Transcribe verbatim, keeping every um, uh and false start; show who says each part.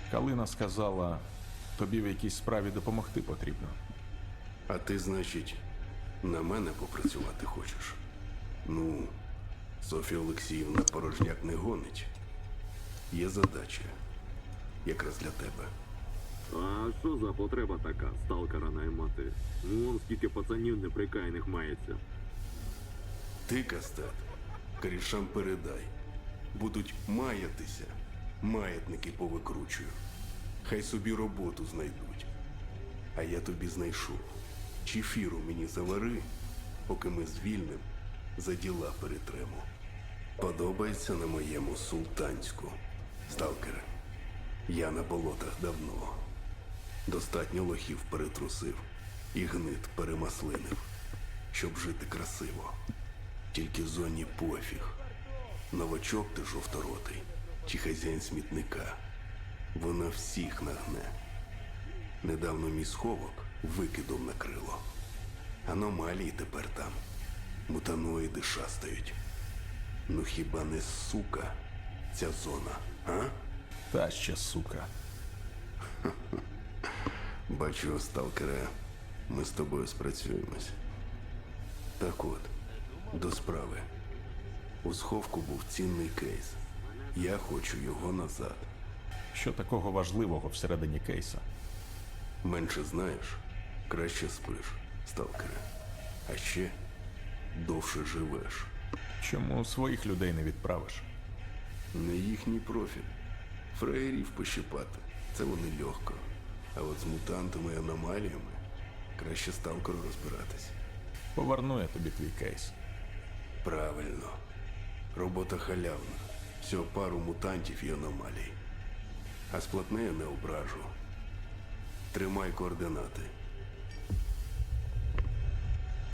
Speaker 1: Калина сказала, тобі в якійсь справі допомогти потрібно.
Speaker 2: А ти, значить, на мене попрацювати хочеш? Ну, Софія Олексіївна порожняк не гонить. Є задача. Якраз для тебе.
Speaker 3: А що за потреба така, сталкера наймати? Ну, вон скільки пацанів неприкаяних мається.
Speaker 2: Ти, Кастет, корішам передай. Будуть маятися, маятники повикручую. Хай собі роботу знайдуть. А я тобі знайшов. Чефіру мені завари, поки ми звільним, за діла перетремо. Подобається на моєму султанську. Сталкере, я на болотах давно. Достатньо лохів перетрусив і гнит перемаслинив, щоб жити красиво. Тільки зоні пофіг. Новачок ти жовторотий, чи хазяїн смітника. Вона всіх нагне. Недавно мій сховок викидом накрило. Аномалії тепер там. Мутаноїди шастають. Ну хіба не сука ця зона, а?
Speaker 1: Та ще сука.
Speaker 2: Бачу, сталкере, ми з тобою спрацюємось. Так от, до справи. У сховку був цінний кейс. Я хочу його назад.
Speaker 1: Що такого важливого всередині кейса?
Speaker 2: Менше знаєш, краще спиш, сталкере. А ще довше живеш.
Speaker 1: Чому своїх людей не відправиш?
Speaker 2: Не їхній профіль. Фраєрів пощипати. Це вони легко. А от з мутантами і аномаліями краще сталкеру розбиратись.
Speaker 1: Поверну я тобі твій кейс.
Speaker 2: Правильно. Робота халявна. Всього пару мутантів і аномалій. А сплатне я не ображу. Тримай координати.